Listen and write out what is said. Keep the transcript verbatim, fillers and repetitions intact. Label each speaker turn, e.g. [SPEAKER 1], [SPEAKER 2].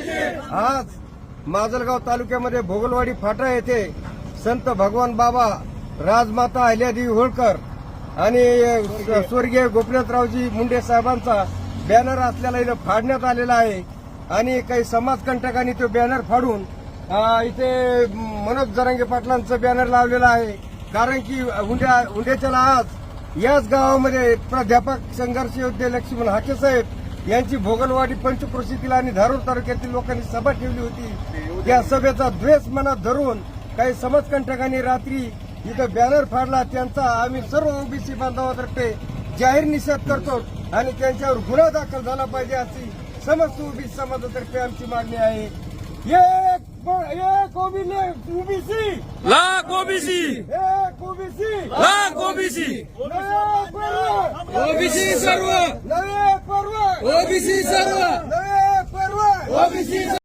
[SPEAKER 1] आज माजलगाव तालुक्यामध्ये भोगलवाडी फाटा येथे संत भगवान बाबा, राजमाता अहिल्यादेवी होळकर आणि स्वर्गीय गोपीनाथरावजी मुंडे साहेबांचा बॅनर असलेला इथं फाडण्यात आलेला आहे आणि काही समाजकंटकांनी तो बॅनर फाडून इथे मनोज जरांगे पाटलांचं बॅनर लावलेला आहे. कारण की उंड्या उंड्याच्याला आज याच गावामध्ये प्राध्यापक संघर्ष योद्धे लक्ष्मण हाके साहेब यांची भोगलवाडी पंचक्रोशीतील आणि धारूर तालुक्यातील लोकांनी सभा ठेवली होती. त्या सभेचा द्वेष मनात धरून काही समाजकंटकांनी रात्री इथं बॅनर फाडला. त्यांचा आम्ही सर्व ओबीसी बांधवातर्फे जाहीर निषेध करतो आणि त्यांच्यावर गुन्हा दाखल झाला पाहिजे अशी समस्त ओबीसी समाजातर्फे आमची मागणी आहे. एक एक ओबीसी
[SPEAKER 2] लाख ओबीसी
[SPEAKER 1] एक ओबीसी
[SPEAKER 2] लाख ओबीसी
[SPEAKER 1] नवे पर्व
[SPEAKER 2] ओबीसी सर्व
[SPEAKER 1] नवे पर्व
[SPEAKER 2] ओबीसी सर्व
[SPEAKER 1] नवे पर्व
[SPEAKER 2] ओबीसी